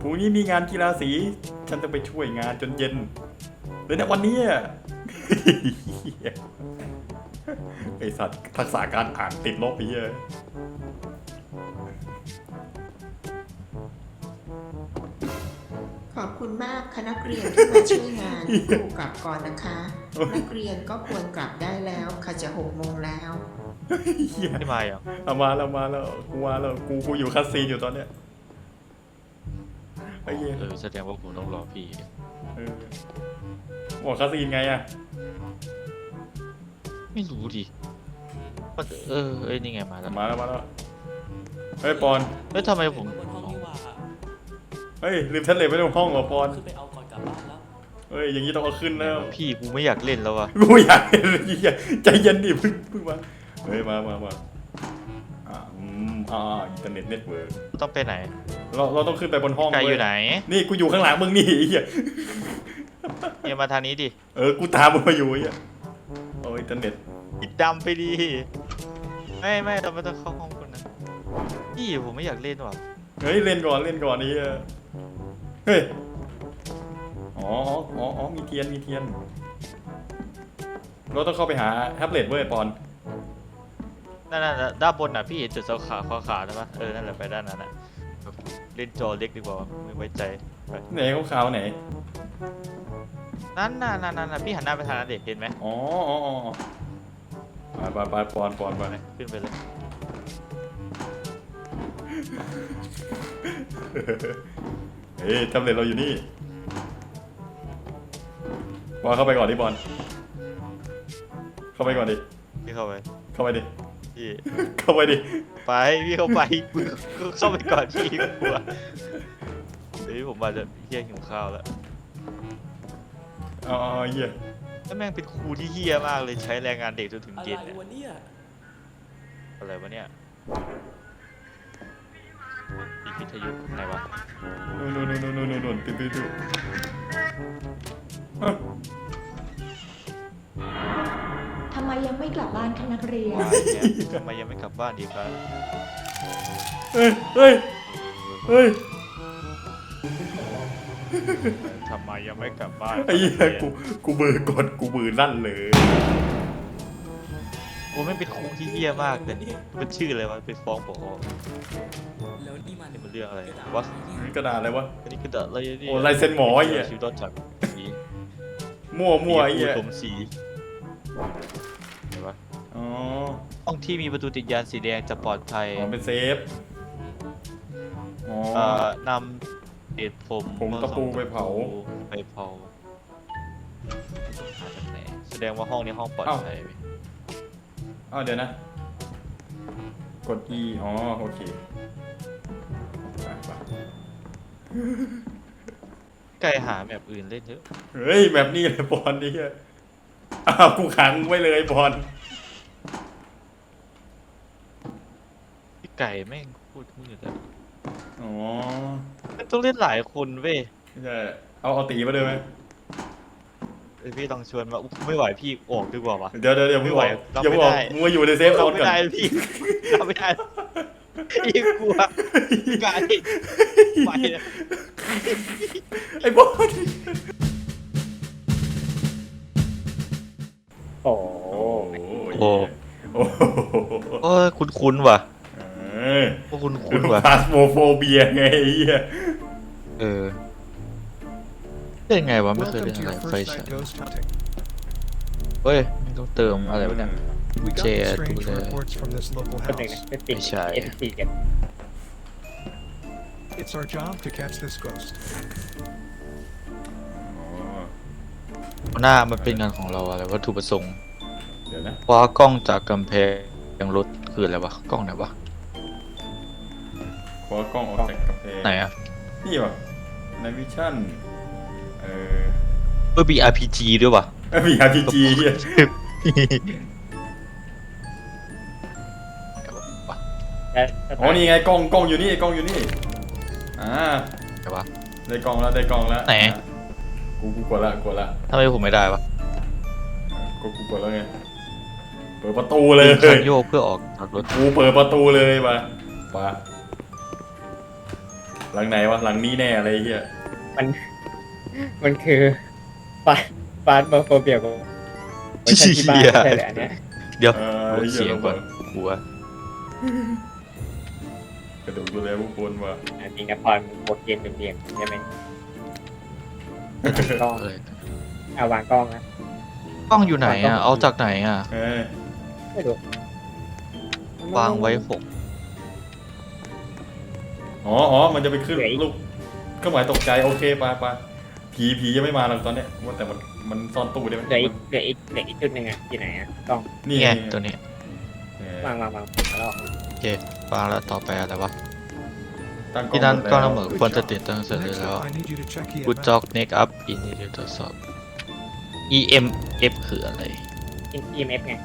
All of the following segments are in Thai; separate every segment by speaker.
Speaker 1: พรุ่งนี้มีงานกีฬาสีฉันต้องไปช่วยงานจนเย็นเลยนะวันนี้ไอสัตว์ทักษะการอ่านติดลบไปเยอะ
Speaker 2: ขอบคุณมากคณะนักเรียนที่มาช่วยงานครูกลับก่อนนะคะ นักเรียนก็ควรกลับได้แล้วค่ะจะ6 โมงแล้ว
Speaker 3: ไม่มาอ่ะ
Speaker 1: เอามาแล้วกูอยู่คัสซีนอยู่ตอนเนี้ยไอ้เหี้ย
Speaker 3: แสดงว่าผมต้องรอพี่
Speaker 1: บอกคัสซีนไงอะ
Speaker 3: ไม่รู้ดินี่ไงมาแล้ว
Speaker 1: มาแล้วเฮ้ยปอน
Speaker 3: ทำไมผม
Speaker 4: บนห้องนี่หว่า
Speaker 1: เฮ้ยลืมแท็บเล็ตไว้ในห้องเหรอปอน
Speaker 4: ขึ้นไปเอาก่อนกลับบ้านแล้ว
Speaker 1: เฮ้ยอย่างนี้ต้องเอาขึ้นแล้ว
Speaker 3: พี่กูไม่อยากเล่นแล้ววะ
Speaker 1: กูอยากเห็นไอ้เหี้ยใจเย็นดิเพิ่งมาเฮ้ยมาอินเทอร์เน็ตเน็ตเวิร์ก
Speaker 3: ต้องไปไหน
Speaker 1: เราต้องขึ้นไปบนห้อง
Speaker 3: ไกลอยู่ไหน
Speaker 1: นี่กูอยู่ข้างหลังมึงนี่ไอ้เหี้ย
Speaker 3: เนี่ยมาทางนี้ดิ
Speaker 1: กูตามมึงมาอยู่ไอ้เหี้ยโอ้ยอินเทอร์เน็ต
Speaker 3: ปิดดำไปดิไม่เราไม่ต้องเข้าห้องคนนั้นพี่ผมไม่อยากเล่นว่ะ
Speaker 1: เฮ้ยเล่นก่อนนี่เฮ้ยอ๋อมีเทียนเราต้องเข้าไปหาแท็บเล็ตเว้ยปอน
Speaker 3: นั่นด้านบนน่ะพี่เห็นจุดขาวใช่ปะนั่นแหละไปด้านนั้นน่ะเล่นจอเล็กดีกว่าไม่ไว้ใจไป
Speaker 1: ไหนขาวๆไหน
Speaker 3: นั่นน่ะพี่หันหน้าไปทางนั้นเด็กเห็นไหม
Speaker 1: อ๋อไปปอนไป
Speaker 3: ขึ้นไปเลย
Speaker 1: เฮ้ยแท็บเล็ตเราอยู่นี่บอลเข้าไปก่อนดิบอลเข้าไปก่อนดิ
Speaker 3: พี่เข้าไป
Speaker 1: เข้าไปดิ
Speaker 3: พี่
Speaker 1: เข้าไปดิ
Speaker 3: ไปพี่เข้าไปมึงเข้าไปก่อนพี่กลัวเฮ้ยผมมาจะเฮี้ยหิวข้าวแล้ว
Speaker 1: อ๋อเหี้ย
Speaker 3: แล้วแม่งเป็นครูที่เฮี้ยมากเลยใช้แรงงานเด็กจนถึง
Speaker 4: อะไร
Speaker 3: เย็นเนี่ย
Speaker 4: วะเนี่ย
Speaker 3: อะไรวะเนี่ยอีพิทยุไหนวะ
Speaker 1: นู่นปิดดู
Speaker 5: ทำไมยังไม่กลับบ้านคะนักเรียน
Speaker 3: วายเนี่ยทำไมยังไม่กลับบ้านดีครับ
Speaker 1: เฮ้ย
Speaker 3: ทำไมยังไม่กลับบ้าน
Speaker 1: ไอ้เหี้ยกูเบอร์กดกูมือลั่นเลย
Speaker 3: กูไม่เป็นครูที่เฮี้ยมากเลยมันชื่ออะไรวะไปฟ้องผอ
Speaker 4: แล้วนี่มัน
Speaker 3: นี่มันเรื่องอะไรวะ
Speaker 1: กระดาษอะไรวะ
Speaker 3: อันนี้คืออะไรเนี่ย
Speaker 1: โอ้ลายเซ็นหมอไอ้เหี้ย
Speaker 3: ชีวิตรอดจากสี
Speaker 1: มั่วไอ้เหี้ย
Speaker 3: ผมสีไหนวะ
Speaker 1: อ๋อ
Speaker 3: ห้องที่มีประตูติดยานสีแดงจะปลอดภัย
Speaker 1: เป็นเซฟอ๋อ
Speaker 3: นำเศษผม
Speaker 1: ตะปูไปเผา
Speaker 3: หาจากไหนแสดงว่าห้องนี้ห้องปลอดภัยไหม
Speaker 1: อ้าวเดี๋ยวนะ กด E อ๋อโอเคไป
Speaker 3: ไกลหาแบบอื่นเล่นเถอะ
Speaker 1: เฮ้ยแบบนี้เลยบอลนี่อ้าวกูขังไว้เลยบอล
Speaker 3: พี่ไก่แม่งพูดมืดแล้ว
Speaker 1: อ๋อ
Speaker 3: มันต้องเล่นหลายคนเว้ย
Speaker 1: ไม่ใช่เอาตีมาด้วยไหม
Speaker 3: พี่ต้องชวนมาอุ๊ยไม่ไหวพี่ออกดีกว่าวะ
Speaker 1: เดี๋ยวมึงบอก
Speaker 3: รับ
Speaker 1: อย่า
Speaker 3: ไม่
Speaker 1: บอก
Speaker 3: ได้
Speaker 1: มึงมาอยู่ในเซฟโซ
Speaker 3: เรา
Speaker 1: น
Speaker 3: ไม่
Speaker 1: ก่อน
Speaker 3: ได้พี่เราไม่ได้พี่กลัวไก่ไปเลย
Speaker 1: ไอ้บอล
Speaker 6: โอ้
Speaker 1: โอ้
Speaker 3: โอ้ยคุ้นๆว่ะ
Speaker 1: เออ
Speaker 3: ว่าคุ้นๆว่ะ
Speaker 1: พาสโมโฟเบียไงไอ้เหี้ย
Speaker 3: เล่นไงวะไม่เคยเล่นอะไรไฟฉายเฮ้ยไม่ต้องเติมอะไรวะเนี่ย
Speaker 7: We got
Speaker 3: Jay,
Speaker 7: strange
Speaker 3: uh,
Speaker 7: reports from this local
Speaker 6: คนหนึ่ง
Speaker 7: house.
Speaker 6: เป็นติด
Speaker 3: ไม่ใช่
Speaker 6: ติดกัน
Speaker 7: It's our job to catch this ghost.
Speaker 3: หน้ามันเป็นงานของเราอะไรวัตถุประสงค์
Speaker 1: เดี๋ยวนะ
Speaker 3: คว้ากล้องจากกำแพงรถคืออะไรวะกล้องไหนวะ
Speaker 1: ขอกล้องออกจากกระเพง
Speaker 3: ไหนอะ
Speaker 1: นี่วะในวิชั่น
Speaker 3: มี RPG ด้วยวะ
Speaker 1: มี RPG เหี้ยอ๋อนี่ไงกล้องอยู่นี่อ่า
Speaker 3: ไหนวะ
Speaker 1: ได้กล้องแล้ว
Speaker 3: ไหน
Speaker 1: กูกดละ
Speaker 3: ทำไมผมไม่ได้วะ
Speaker 1: กูกดแล้วไงเปิดประตูเลย
Speaker 3: คันโยกเพื่อออกจากรถ
Speaker 1: กูเปิดประตูเลยมาหลังไหนวะหลังนี้แน่อะไรเหี้ย
Speaker 6: มันคือฟาสโมโฟเบียของเวอร์ชันที่บ้านไม่ใช่เลยอันเนี้ย
Speaker 3: เดี๋ยว
Speaker 1: ไอ้
Speaker 3: ลด
Speaker 1: หี้
Speaker 3: เสียงก่อนกลัว
Speaker 1: กระดูกดูแลผู้คนว่ะ
Speaker 6: จริงนะพรบทเกมเรียงๆใช่ไหมกล้อง
Speaker 3: เอ้ย
Speaker 6: เอาวางกล้องนะ
Speaker 3: กล้องอยู่ไหนอ่ะเอาจากไหนอ่ะ
Speaker 1: เออ
Speaker 6: ไม่รู้
Speaker 3: วางไว้6
Speaker 1: อ๋อมันจะไปขึ้นลูกเครื่องหมายตกใจโอเคไปผียังไม่มาหรอกตอนเนี้ยว่าแต่มันซ่อนตู้ได้ไหม
Speaker 6: เหลืออีกจุดหนึ่งอ่ะที่ไหนอ่ะกล้อง
Speaker 1: นี่
Speaker 3: นี่
Speaker 1: ไง
Speaker 3: ไงตัวนี้
Speaker 1: เออ
Speaker 6: วางแล้ว
Speaker 3: โอเควางแล้วต่อไปอะไรวะ
Speaker 1: ตั้ง
Speaker 3: ที่นั่นก็
Speaker 1: แล้
Speaker 3: ระ
Speaker 1: ว
Speaker 3: เบิดควรจะติดตั้งเสร็จ
Speaker 7: Next
Speaker 3: แล้ว
Speaker 7: up, I need you to check
Speaker 3: Good
Speaker 7: EMF.
Speaker 3: job next up in นี้ตรวจสอบ EMF คืออะไร
Speaker 6: EMF ไง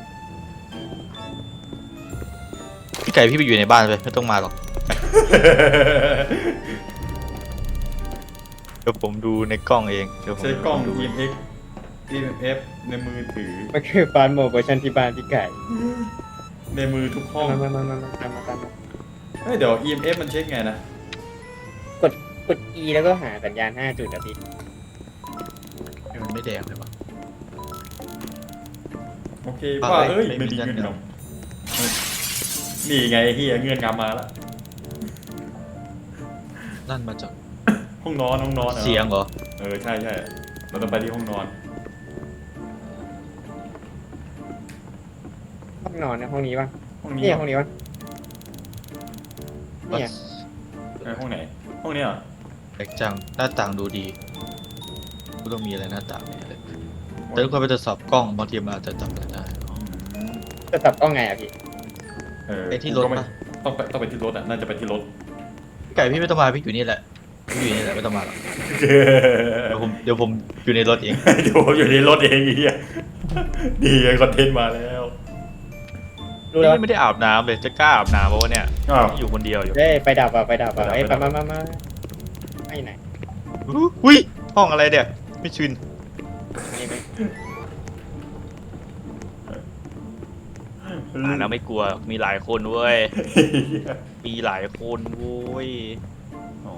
Speaker 3: พี่ไก่พี่ไปอยู่ในบ้านเลยไม่ต้องมาหรอกเดี๋ยวผมดูในกล้องเองเดี๋ยวผม
Speaker 1: ใช้กล้อง
Speaker 3: ดู
Speaker 1: EMF ในมือถือ
Speaker 6: มันคือฟาสโมเวอร์ชันที่บ้านพี่ไก่
Speaker 1: ในมือทุกห้อง
Speaker 6: มาตามมา
Speaker 1: เฮ้ยเดี๋ยว EMF มันเช็คไงนะ
Speaker 6: กด E แล้วก็หาสัญญาณ5จุดอ่ะพี่
Speaker 3: มันไม่แดงเลยวะ
Speaker 1: โอเค
Speaker 3: อ่ะ
Speaker 1: ว่า
Speaker 3: เอ้
Speaker 1: เอ้
Speaker 3: ย
Speaker 1: ย
Speaker 3: ไม่
Speaker 1: ไม่
Speaker 3: มี
Speaker 1: มี
Speaker 3: เงื่
Speaker 1: เงื่
Speaker 3: อ
Speaker 1: อน น
Speaker 3: ง
Speaker 1: งำนี่ไงไอ้เฮียเงื่อนงำมาแล้ว
Speaker 3: นั่นมาจาก
Speaker 1: ห้องนอนหรอ
Speaker 3: เสียงเหรอ
Speaker 1: ใช่เราต้องไปที่ห้องนอน
Speaker 6: ห้องนอนนะห้องนี้ป่ะ
Speaker 1: ห้องนี้
Speaker 6: นี่ห้องนี้ป่ะเนี่ย
Speaker 1: ห้องไหนห้องนี้เหรอ
Speaker 3: แปลกจังหน้าต่างดูดีก็ต้องมีอะไรหน้าต่างเนี่ยเลยแต่ทุกคนไปตรวจสอบกล้องบางทีมันอาจจะจำกันได้อ๋อ
Speaker 6: จะตับกล้องไงอ่ะพี่
Speaker 3: ไปที่รถ
Speaker 1: ก็ไม่
Speaker 3: ปะ
Speaker 1: ต้องไปที่รถอ่ะน่าจะไปที่รถ
Speaker 3: พี่ไก่พี่ไม่ต้องมาพี่อยู่นี่แหละพี่อยู่นี่แหละไม่ต้องมาหรอกเดี๋ยวผมอยู่ในรถเอง
Speaker 1: เดี๋ยวผมอยู่ในรถเองไอ้เฮียดีไงคอนเทนต์มาแล้ว
Speaker 6: รู้แล้ว
Speaker 3: นี่ไม่ได้อาบน้ำเลยจะกล้าอาบน้ำเพราะว่าเนี่ย
Speaker 1: อ้าว
Speaker 3: อยู่คนเดียวอยู่
Speaker 6: เด้ไปดับอ่ะเอ้ย
Speaker 1: ไปดับ
Speaker 6: มาไอ้ไหน
Speaker 3: อุ้ยห้องอะไรเนี่ยไม่ชิน
Speaker 6: นี่ไหม
Speaker 3: แล้วไม่กลัวมีหลายคนเว้ยมีหลายคนเว้ย
Speaker 1: อ๋อ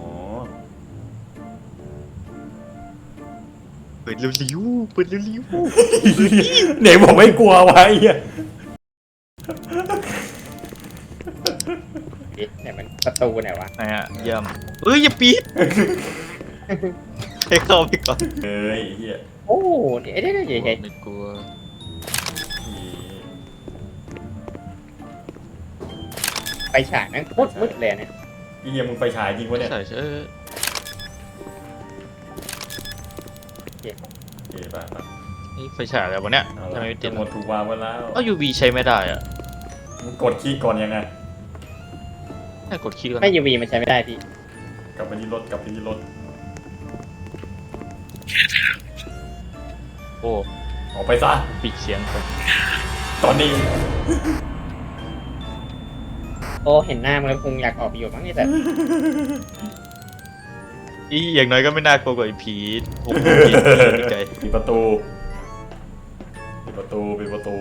Speaker 3: เปิดเร็วๆเปิดเร็ว
Speaker 1: ไหนบอกไม่กลัววะไอ้เฮีย
Speaker 6: เนี่ยมันประตูไหนวะ
Speaker 3: ๆนะฮะเยี่ยมเอ้ยอย่าปิดให้เข้าไปก่อน
Speaker 1: ไอ้เฮีย
Speaker 6: โอ้เดี๋ยวใหญ่
Speaker 3: ไม่กลัว
Speaker 6: ไปฉากนั้นมืดเลยเนี่ย
Speaker 1: ไอ้เฮียมึงไฟฉายจริงวะเนี่ย
Speaker 3: ใส่เสื้อ
Speaker 1: โอเคไป
Speaker 3: นี่ไฟฉายอะไรวะเนี่ย
Speaker 1: เอา
Speaker 3: ทำ
Speaker 1: ละ
Speaker 3: ไมไม่ติด
Speaker 1: หมดถูกวางไว้แล้ว
Speaker 3: เอ้า UV ใช้ไม่ได้อะ
Speaker 1: มึงกดคีย์ก่อนยังไง
Speaker 3: ให้กดคีย์ก่อน
Speaker 6: ไม่ UV มันใช้ไม่ได้พี่
Speaker 1: กลับไปที่รถกลับไปที่รถ
Speaker 3: โอ้
Speaker 1: ออกไปซะ
Speaker 3: ปิดเสียงก่อน
Speaker 1: ตอนนี้
Speaker 6: โอ้เห็นหน้ามันแล้วคงอยากออกไปอยู่มั้งนี่แต่
Speaker 3: อีอย่างน้อยก็ไม่น่ากลัวกว่าไอ้ผีโอ้โหผีไกล
Speaker 1: ปิดประตูปิดประตู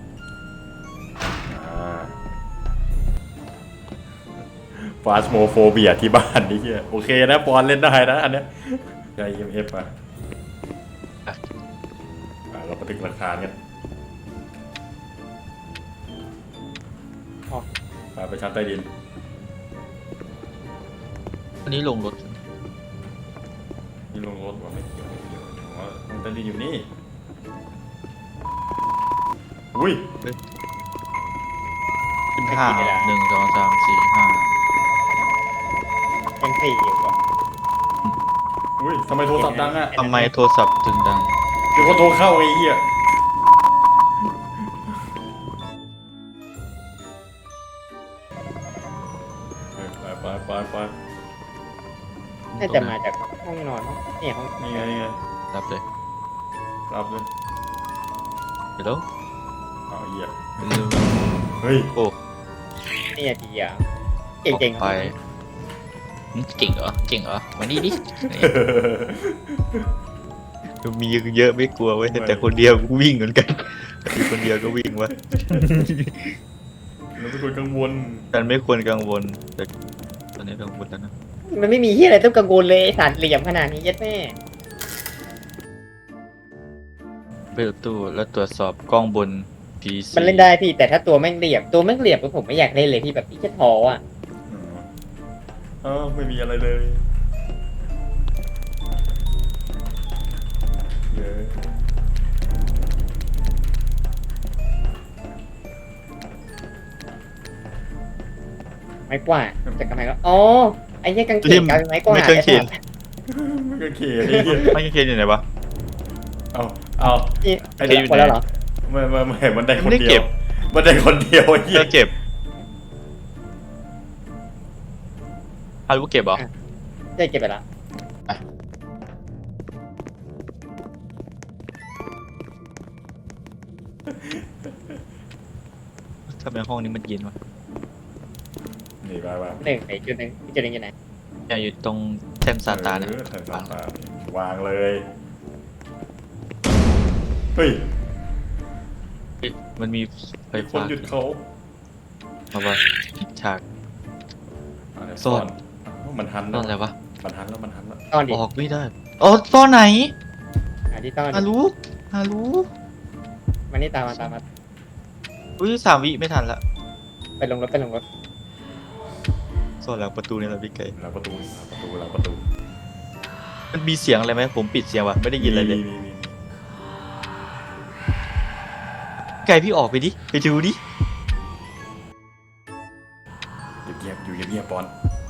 Speaker 1: ฟาสโมโฟเบียที่บ้านนี่เฮียโอเคนะปอนเล่นได้นะอันเนี้ยใจ EMF มาเรามาถึงหลักฐานกันไปชั้นใต้ดิน
Speaker 3: อันนี้ลงรถ
Speaker 1: นี่ลงรถว่าไม่เกี่ยวอ๋อชั้นใต้ดินอยู่นี่อุ้ย
Speaker 3: ขึ้นห้า1 2 3 4 5
Speaker 6: ยัง4อยู่อ่ะ
Speaker 1: อุ้ยทำไมโทรศัพท์ดังอ่ะ
Speaker 3: ทำไมโทรศัพท์ถึงดัง
Speaker 1: เดี๋ยวเขาโทรเข้าไอ้เหี้ยไป
Speaker 6: น่าจะมาจากห้องนอนเนี่ยห้อง
Speaker 1: นี่ไงนี่ไง
Speaker 3: รับเลย
Speaker 1: รับเลย
Speaker 3: เดี๋ยว
Speaker 1: เอาเหี้ย
Speaker 3: เร็ว
Speaker 1: เฮ้ย
Speaker 3: โอ้
Speaker 6: เนี่ยทีอ่ะเก่งๆ
Speaker 3: ไปเก่งเหรอเก่งเหรอมานี่ดิมีเยอะไม่กลัวเว้ยแต่คนเดียวกูวิ่งเหมือนกันมีคนเดียวก็วิ่งวะ
Speaker 1: เราเป็นคนกังวล
Speaker 3: ฉันไม่ควรกังวลแต่อนนี้เรื่องบุญแล้วนะ
Speaker 6: มันไม่มีที่อะไรต้องกังวลเลยไอ้สัตว์เหลี่ยมขนาดนี้ยัดแม่
Speaker 3: เปิดตู้แล้วตรวจสอบกล้องบน PC
Speaker 6: มันเล่นได้พี่แต่ถ้าตัวแม่งเหลี่ยมผมไม่อยากเล่นเลยพี่แบบพี่จะท้ออ่ะ
Speaker 1: ไม่มีอะไรเลยเย้
Speaker 6: ไม้กวาดจากกำแพงแล้วอ๋อไอ้เหี้ยกางเขนกลายเป็นไม้กวาด
Speaker 3: ไม่เคยเขียน
Speaker 1: มันก็เขียนไอ้เหี้ย
Speaker 3: ไม่เคยเขียนอยู่ไหนวะ
Speaker 1: เอา
Speaker 6: นี่
Speaker 3: ไอ้เหี้ยอยู่
Speaker 6: หมดแล้วเหรอ
Speaker 1: ไม่เห็นมันได้คน
Speaker 3: ไม่ได้
Speaker 1: เดี
Speaker 3: เก็
Speaker 1: ยว
Speaker 3: บ
Speaker 1: มันได้คนเดียวไอ้เหี้ย
Speaker 3: เลิกเก็บอารู้เก็บเหรอ
Speaker 6: ได้เก็บไปละ
Speaker 3: ทำไมห้องนี้มันเย็นวะ
Speaker 1: นี่ไป
Speaker 6: หนึ่งไอ้จุดหนึ่งอีกจุดหนึ่งอยู่ไหน
Speaker 3: เนี่ยอยู่ตรงแท่นซาตานนะ
Speaker 1: แทนซาตานวางเลยเฮ้ย
Speaker 3: เฮ้ยมันมีไฟ
Speaker 1: ไอ้คน
Speaker 3: ฟ้า
Speaker 1: หยุดเขา
Speaker 3: มาว่าฉาก
Speaker 1: อะไร
Speaker 3: ซ่อน
Speaker 1: มันหัน
Speaker 3: ซ่อนอะไรวะ
Speaker 1: มันหันแล้ว
Speaker 6: ต้อนดิ
Speaker 3: ออกไม่ได้อ๋อซ่อนไหน
Speaker 6: หาที่ต้อน
Speaker 3: ฮา
Speaker 6: ดิ
Speaker 3: รู้ฮารู้
Speaker 6: มันนี่ตามมา
Speaker 3: อุ้ย3 วิไม่ทันละ
Speaker 6: ไปลงรถ
Speaker 3: ซ่อนหลังประตูนี่แหละพี่ไก่
Speaker 1: หลังประตู
Speaker 3: มันมีเสียงอะไรไหมผมปิดเสียงวะไม่ได้ยินอะไรเลย
Speaker 1: มี
Speaker 3: ไก่พี่ออกไปดิไปดูดิ
Speaker 1: เงียบอยู่เงียบปอน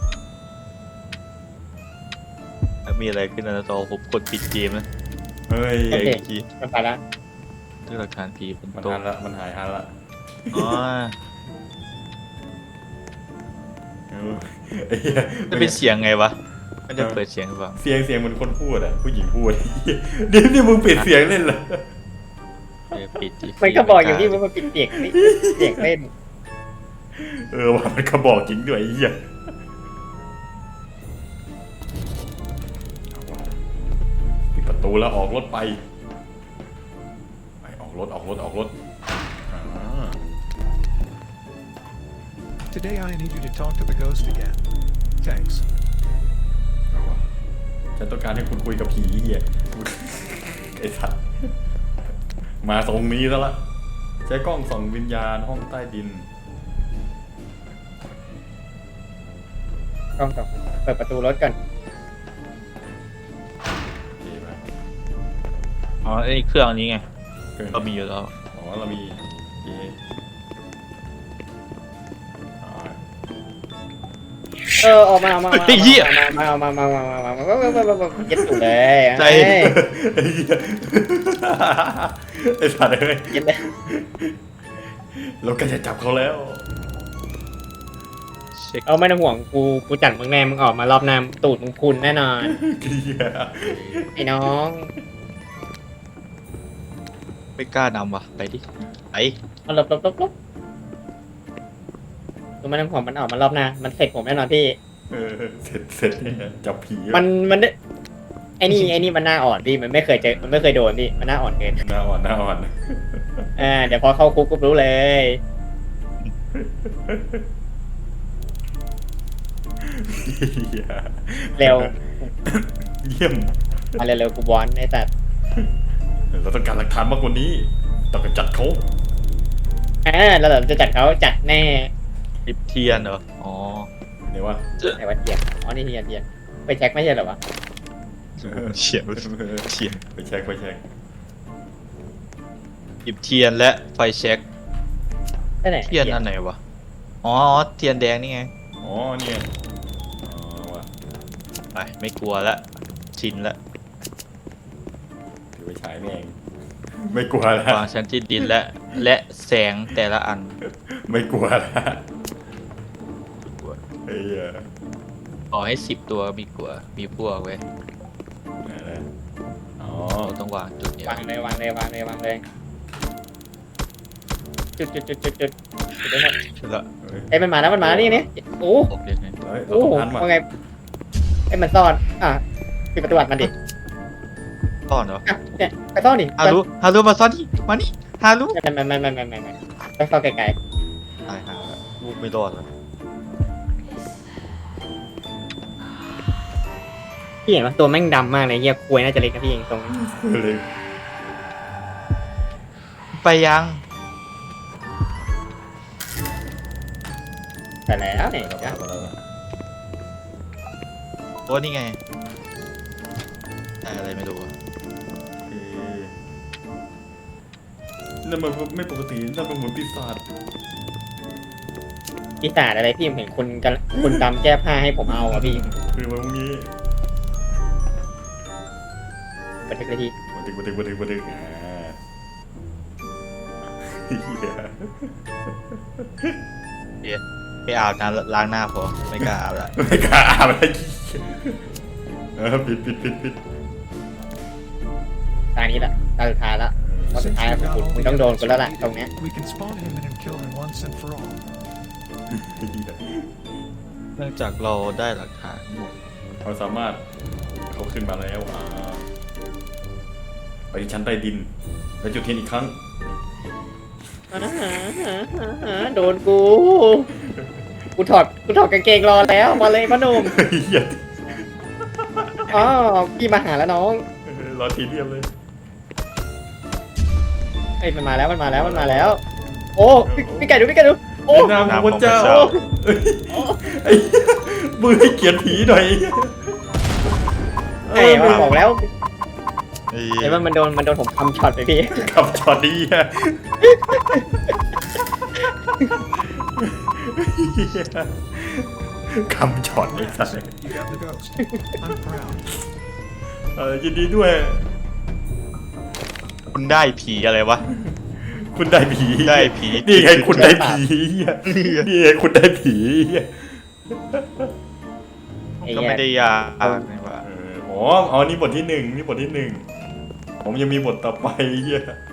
Speaker 3: มีอะไรขึ้นในจอผมกดปิดเกมนะ
Speaker 1: เฮ้ย
Speaker 3: ไอ้เมื่อกี้
Speaker 6: มันไปละ
Speaker 3: เรื่องหลักฐานผีบน
Speaker 1: มัน
Speaker 3: โต๊ะ
Speaker 1: หันละมันหายหันละ
Speaker 3: อ๋อ
Speaker 1: ไอ้เหี้ย
Speaker 3: จะเป็นเสียงไงวะไม่ได้เปิดเสียงหรือเปล่า
Speaker 1: เสียงเหมือนคนพูดอ่ะผู้หญิงพูดเดี๋ยวนี่มึงปิดเสียงเล่นเหรอ
Speaker 3: ปิดดิ
Speaker 6: มันก็บอกอย่างที่มันปิดเสียงนี่เสียงเล่น
Speaker 1: ว่ามันก็บอกจริงด้วยไอ้เหี้ยปิดประตูแล้วออกรถไปออกรถอ่า
Speaker 7: Today I need you to talk to the ghost again. Thanks.
Speaker 1: เอาวะฉันต้องการให้คุณคุยกับผีเหี้ยไอ้สัสมาตรงนี้ซะละใช้กล้องส่องวิญญาณห้องใต้ดิน
Speaker 6: กล้องต่อเปิดประตูรถก่อน
Speaker 1: โอเคไหม
Speaker 3: อ๋อไอ้เครื่องนี้ไง
Speaker 1: เกิน
Speaker 3: เรามีอยู่แล้ว
Speaker 1: อ๋อเรามีเย่อ๋อ
Speaker 6: ออกมาเย็ดอยู่เลย
Speaker 3: ใจ
Speaker 1: ไอ้เหี้ยไอ้สัตว์เอ้ย
Speaker 6: เย็ดเลย
Speaker 1: เราก็จะจับเขาแล้ว
Speaker 3: เช็ค
Speaker 6: เอาไม่ต้องห่วงกูจัดมึงแน่มึงออกมารอบหน้าตูดมึงคุณแน่นอน
Speaker 1: เหี้ย
Speaker 6: ไอ้น้อง
Speaker 3: ไม่กล้านำว่ะไปดิไป
Speaker 6: เอาหลบกูไม่ต้องห่วงมันออกมารอบหน้ามันเสร็จผมแน่นอนพี่
Speaker 1: เสร็จเนี่ยจับผี
Speaker 6: มันไอ้นี่มันหน้าอ่อนพี่มันไม่เคยเจอมันไม่เคยโดนพี่มันหน้าอ่อนเกิน
Speaker 1: หน้าอ่อน
Speaker 6: เดี๋ยวพอเข้าคุกก็รู้เลย
Speaker 1: เหี้ย
Speaker 6: เร็ว
Speaker 1: เยี่ยม
Speaker 6: มาเร็วๆกูบอลไอ้สัตว์
Speaker 1: เราต้องการหลักฐานมากกว่านี้ต้องกำจัดเขา
Speaker 6: แล้วเราจะจัดเขาจัดแน่
Speaker 3: ปิดเทียนเหรออ๋อ
Speaker 1: เนี่ยวะ
Speaker 6: ไหนว่าเทียนอ๋อนี่เทียนไปเช็คไม่ใช่เหรอวะ
Speaker 3: เฉียบเทียน
Speaker 1: ไปเช็ค
Speaker 3: หยิบเทียนและไฟแช็ก
Speaker 6: ไปไหน
Speaker 3: เทียนอันไหนวะอ๋อเทียนแดงนี่ไง
Speaker 1: อ๋อเนี่ยอ๋อวะ
Speaker 3: ไปไม่กลัวละชินละ
Speaker 1: ถือไปฉายแม่งไม่กลัวแล้ว
Speaker 3: วางชั้นที่ดินและแสงแต่ละอัน
Speaker 1: ไม่กลัวแล้วเฮ้ย
Speaker 3: ขอให้10 ตัวมีกลัวมีพวกเว้ย
Speaker 1: อ๋อ
Speaker 3: เราต้องวางจุดเนี้ยว
Speaker 6: างเลยจุดได้หมด
Speaker 3: เสร็จละ
Speaker 6: เอ้ยมันมาแล้วนี่โอ้
Speaker 3: บอกเลยไง
Speaker 1: เฮ้ยเรา
Speaker 6: โอ้
Speaker 1: ต้องทันว่ะ
Speaker 6: ว่าไงไอ้มันซ่อนปิดประตูอัดมันดิ
Speaker 3: ซ่อนเหรอ
Speaker 6: เนี่ยไปซ่อนดิ
Speaker 3: ฮารุมาซ่อนดิมานี่ฮารุ
Speaker 6: ไม่ต้องซ่อนไกล
Speaker 3: ตายหาละลูกไม่รอดแล้ว
Speaker 6: พี่เห็นว่าตัวแม่งดำมากเลยเฮียควยน่าจะเล็กนะพี่เองตรงนี้
Speaker 1: เลย
Speaker 3: ไปยัง
Speaker 6: แต่แล้วเนี่ยนะ
Speaker 3: โอ้นี่ไงอะไรไม่รู้อะ
Speaker 1: นั่นมันไม่ปกตินั่นมันเหมือนปีศาจ
Speaker 6: ปีศาจอะไรพี่ผมเห็นคนดำแก้ผ้าให้ผมเอาอะพี่
Speaker 1: คือมันพวกนี้
Speaker 6: บันทึกเลยพี่
Speaker 1: บันทึกเหี้ย
Speaker 3: ไปอาบน้ำล้างหน้าพอไม่กล้าอาบละ
Speaker 1: ไม่กล้าอาบอะไรปิด
Speaker 6: ตานี้แหละตาสุดท้ายละตาสุด
Speaker 7: Since
Speaker 6: ท้าย
Speaker 7: we've got
Speaker 6: ผม
Speaker 7: all
Speaker 6: มึ
Speaker 7: the
Speaker 6: งต้องโดน
Speaker 7: evidence
Speaker 6: กูแล้ว
Speaker 7: we
Speaker 6: ล่ะ
Speaker 7: need,
Speaker 6: ตรงเนี้ย
Speaker 7: we can spawn him and kill him once and for all.
Speaker 3: เนื่องจากเราได้หลักฐานหมด
Speaker 1: เราสามารถเขาขึ้นมาแล้วไปชั้นใต้ดินไปจุดเทียนอีกครั้ง
Speaker 6: โดนกูถอดกางเกงรอแล้วมาเลยพ่อหนุ่ม
Speaker 1: เหี้ย
Speaker 6: อ๋อพี่มาหาแล้วน้อง
Speaker 1: รอทีเรียบเลย
Speaker 6: เฮ้ยมันมาแล้วโอ้พี่ไก่ดูโอ้
Speaker 1: ในนามของพระเจ้าไอ้มือให้เกียรติผีหน่อย
Speaker 6: ไอ้มันบอกแล้ว
Speaker 3: ไอ้
Speaker 6: เห็นว่ามันโดนผมคำช็อตไปพี่
Speaker 1: ขับช็อตดีฮะคำช็อตไอ้สัส
Speaker 7: You got the ghost. I'm proud.
Speaker 1: ยินดีด้วย
Speaker 3: คุณได้ผีอะไรวะ
Speaker 1: คุณได้ผี
Speaker 3: ได้ผี
Speaker 1: นี่ไงคุณได้ผีเหี้ยนี่ไงคุณได้ผีเหี้ย
Speaker 3: ก็ไม่ได้ยากนี่หว่า
Speaker 1: อ๋อนี่บทที่หนึ่งผมยังมีบทต่อไปเหี้ย